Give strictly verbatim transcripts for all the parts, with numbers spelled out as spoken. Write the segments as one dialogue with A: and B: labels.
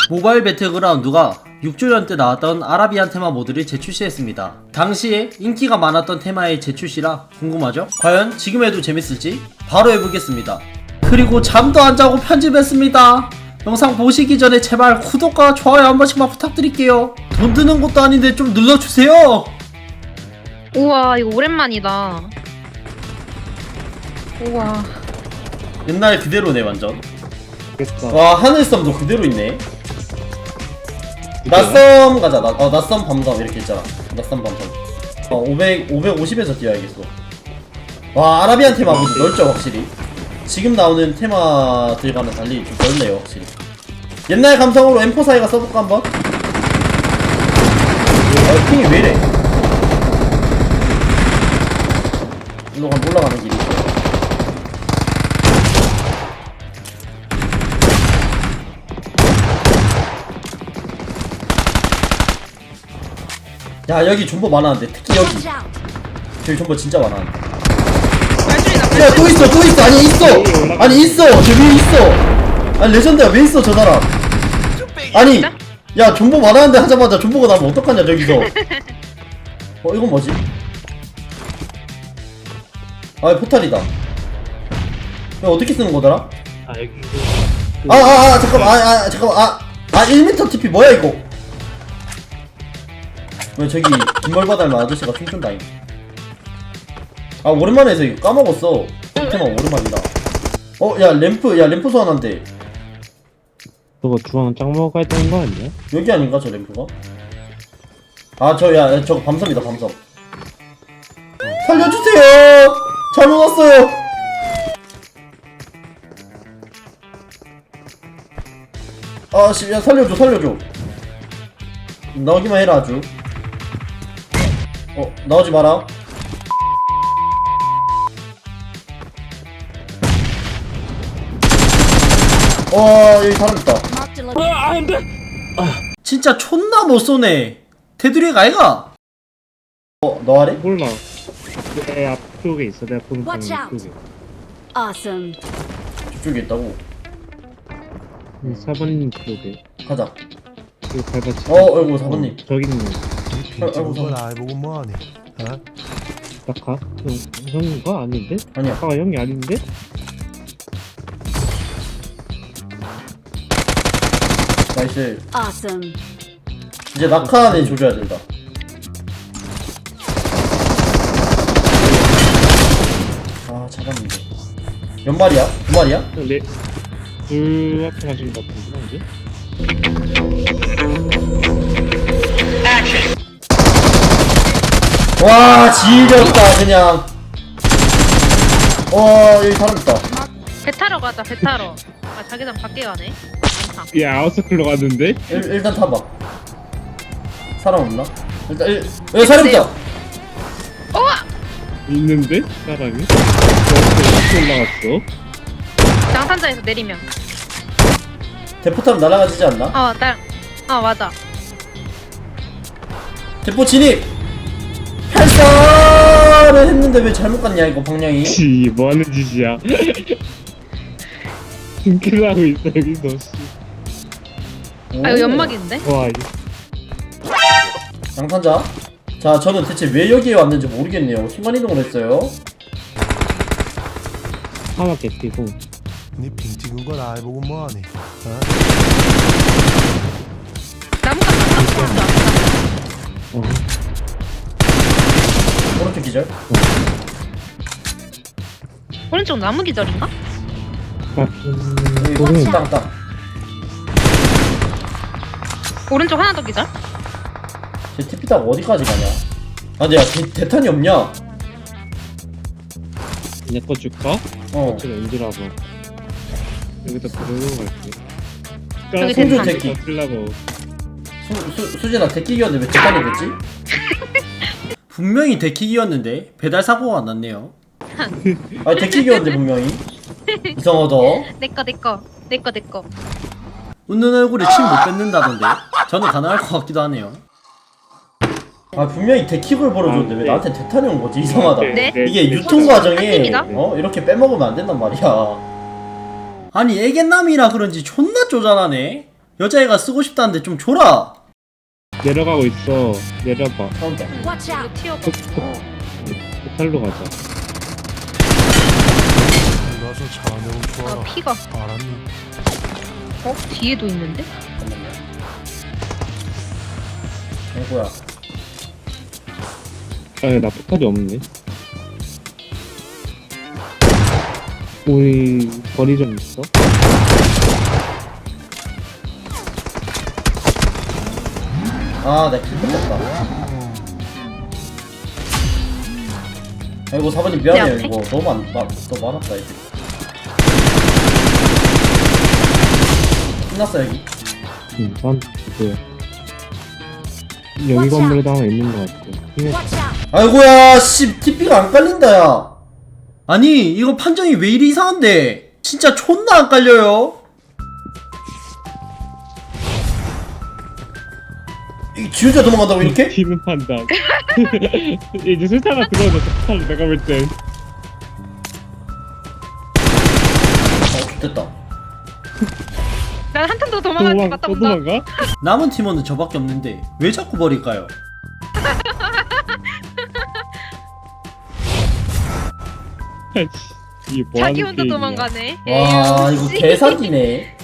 A: 모바일 배틀그라운드가 육 주년 때 나왔던 아라비안 테마 모드를 재출시했습니다. 당시에 인기가 많았던 테마의 재출시라 궁금하죠? 과연 지금에도 재밌을지 바로 해보겠습니다. 그리고 잠도 안 자고 편집했습니다. 영상 보시기 전에 제발 구독과 좋아요 한 번씩만 부탁드릴게요. 돈 드는 것도 아닌데 좀 눌러주세요.
B: 우와 이거 오랜만이다. 우와
A: 옛날 그대로네 완전.
C: 됐다.
A: 와 하늘섬도 그대로 있네. 낮섬 가자. 나, 어, 낮섬 밤섬 이렇게 있잖아. 낮섬 밤섬. 어, 오백, 오백오십에서 뛰어야겠어. 와 아라비안 테마 모두 넓죠 확실히. 지금 나오는 테마들과는 달리 좀 넓네요 확실히. 옛날 감성으로 엠포 사이가 써볼까 한번? 아 핑이 왜이래. 일로 가면 올라가는 길이 있어. 야 여기 존버 많았는데 특히 여기 저기 존버 진짜 많았는데.
B: 발소리나
A: 야 또 있어 또 있어. 아니 있어 아니 있어 저 위에 있어. 아니 레전드야 왜 있어 저 사람. 아니 야 존버 많았는데 하자마자 존버가 나면 어떡하냐 저기서. 어 이건 뭐지? 아 포탈이다. 이거 어떻게 쓰는 거더라?
C: 아 여기
A: 아아아 아, 아, 잠깐만 아, 아 잠깐만 아아 일 미터 티피 뭐야 이거. 왜 저기 김멀바 닮은 아저씨가 춤춘다잉. 아 오랜만에 해서 이거 까먹었어. 테마 오랜만이다. 어 야 램프 야 램프 소환한대.
C: 저거 주황 짱 먹어야 되는 거 아니야?
A: 여기 아닌가 저 램프가? 아 저 야 저거 밤섬이다 밤섬. 살려주세요. 잘못 왔어요. 아씨 야 살려줘 살려줘. 나오기만 해라 아주. 어 나오지 마라. 와 여기 사람 있다.
C: 아 안돼.
A: 진짜 촌나 못 쏘네. 테두리가 아이가. 어 너 아래?
C: 몰라. 내 앞쪽에 있어. 내가 보는 방향
D: Watch out.
C: 쪽에.
D: Awesome.
A: 저쪽에 있다고.
C: 응, 사번님 쪽에.
A: 가자.
C: 이거 밟았지.
A: 어 아이고 사번님.
C: 저기 있는
A: 아이고
E: 걸
A: 사번.
E: 알고 뭐하니? 어?
C: 낙하. 형 형인가 아닌데?
A: 아니야.
C: 낙하가 형이 아닌데?
A: 나이스.
D: Awesome.
A: 이제 낙하는 조져야 된다. 아 잡았는데. 몇 마리야? 두 마리야?
C: 네. 둘 앞에 가신 것 같은데 이제.
A: 와 지렸다 그냥. 와 여기 사람 있다.
B: 배 타러 가자 배 타러. 아 자기장 밖에 가네. 많다.
C: 야 아웃서클로 갔는데?
A: 일, 일단 타봐. 사람 없나? 일단 일, 여기 사람 있다.
B: 우와
C: 있는데? 사람이? 어떻게 올라갔어?
B: 장산자에서 내리면.
A: 대포 타면 날아가지지 않나?
B: 어날어 맞아.
A: 대포 진입. 발사를 했는데 왜 잘못 갔냐 이거 방향이.
C: 씨 뭐하는 짓이야? 등킬하고 있어 여기서 씨.
B: 아 이거 연막인데?
C: 와
A: 양탄자. 자 저는 대체 왜 여기에 왔는지 모르겠네요. 순간 이동을 했어요.
C: 하나 개피고
E: 니핑 찍은 걸 알고 뭐하니? 어?
B: 나무가 다
C: 어.
A: 오른쪽 기절.
B: 오른쪽 나무 기절인가?
C: 아,
A: 여기
C: 모르겠네.
A: 땅땅.
B: 오른쪽 하나 더 기절?
A: 쟤 티피 타고 어디까지 가냐? 아 근데 야 대, 대탄이 없냐?
C: 내거 줄까?
A: 어
C: 제가 인지라고 여기다 부르고 갈게.
B: 저기
A: 손주
B: 대탄.
A: 새끼.
C: 쓰려고.
A: 수, 수, 수진아 데키기였는데 왜 대탄이 됐지? 분명히 데키기였는데 배달 사고가 났네요. 아 데키기였는데 분명히. 이상하다.
B: 내꺼 내꺼 내꺼 내꺼.
A: 웃는 얼굴에 침 못 뱉는다던데 저는 가능할 것 같기도 하네요. 아 분명히 데킥을 벌어줬는데
C: 아,
A: 왜
C: 네.
A: 나한테 대탄이 온 거지? 이상하다.
B: 네?
A: 이게 유통 과정에
B: 아닙니다.
A: 어 이렇게 빼먹으면 안 된단 말이야. 아니 애견남이라 그런지 존나 쪼잔하네. 여자애가 쓰고 싶다는데 좀 줘라.
C: 내려가고 있어. 내려봐.
A: 카운터.
B: 이거 튀어봐.
C: 호텔로 가자.
E: 가서 차 내용
B: 아
E: 좋아라.
B: 피가.
E: 알았니?
B: 어? 뒤에도 있는데?
A: 잠깐만요. 아이고야.
C: 아니 나 포탈이 없네. 우리 거리 좀 있어?
A: 아, 내가 킬 뺏겼다. 아이고, 사번님 미안해요.
B: 내 앞에?
A: 이거 너무 많, 마, 너무 많았다, 이제. 끝났어, 여기.
C: 응, 난 뭐야? 여기 건물에도 하나 있는 것 같아. 이게
A: 아이고야, 씨, 티피가 안 깔린다, 야. 아니, 이거 판정이 왜 이리 이상한데? 진짜 존나 안 깔려요? 이 지 혼자 도망간다고, 이렇게?
C: 뒤는 판단. 이제 술타가 들어오자. 포탈 내가 볼 땐.
A: 어, 됐다.
B: 난 한 턴 더
C: 또
B: 도망갈 것
C: 도망,
B: 같다
C: 또
B: 본다.
C: 도망가?
A: 남은 팀원은 저밖에 없는데 왜 자꾸 버릴까요?
C: 아이씨, 이게 뭐
B: 자기
C: 하는
B: 혼자
C: 게임이야.
B: 도망가네.
A: 와,
B: 에이,
A: 이거
B: 씨.
A: 개사기네.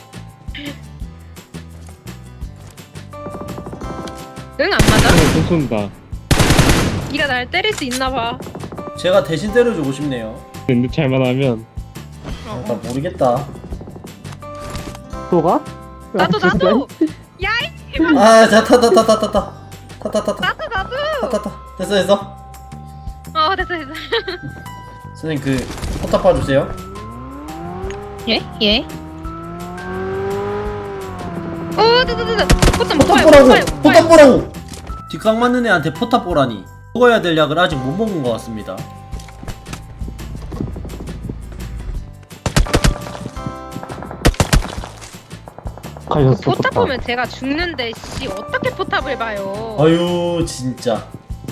B: 응, 안 맞아?
C: 하나 또 쏜다.
B: 네가 날 때릴 수 있나 봐.
A: 제가 대신 때려주고 싶네요.
C: 근데 잘만 하면
B: 어.
A: 나 모르겠다.
C: 또 가?
B: 나도 나도. 야이.
A: 아, 자, 타, 타, 타, 타, 타, 타. 타, 타, 타, 타.
B: 나도 나도.
A: 타, 타, 타. 됐어, 됐어.
B: 어 됐어 됐어.
A: 선생님, 그, 포탑 봐주세요.
B: 예? 예? 오 됐다 됐다. 포탑 못
A: 포탑
B: 봐요.
A: 보라고!
B: 못 봐요. 못
A: 포탑
B: 봐요.
A: 보라고! 뒷각 맞는 애한테 포탑 보라니. 먹어야 될 약을 아직 못 먹은 것 같습니다.
C: 가셨어.
B: 포탑 보면 제가 죽는데 씨 어떻게 포탑을 봐요?
A: 아유, 진짜.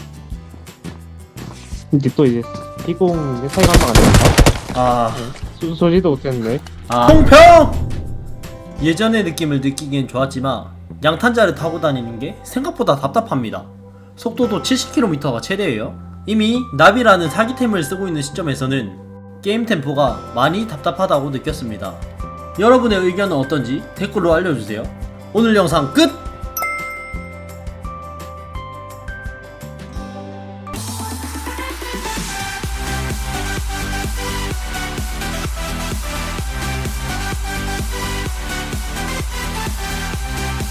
C: 이제 또 이제 피공 사이가 한번 안 된다.
A: 아,
C: 소, 소리도 못했네.
A: 아. 통평! 예전의 느낌을 느끼기엔 좋았지만 양탄자를 타고 다니는 게 생각보다 답답합니다. 속도도 칠십 킬로미터가 최대예요. 이미 나비라는 사기템을 쓰고 있는 시점에서는 게임 템포가 많이 답답하다고 느꼈습니다. 여러분의 의견은 어떤지 댓글로 알려주세요. 오늘 영상 끝!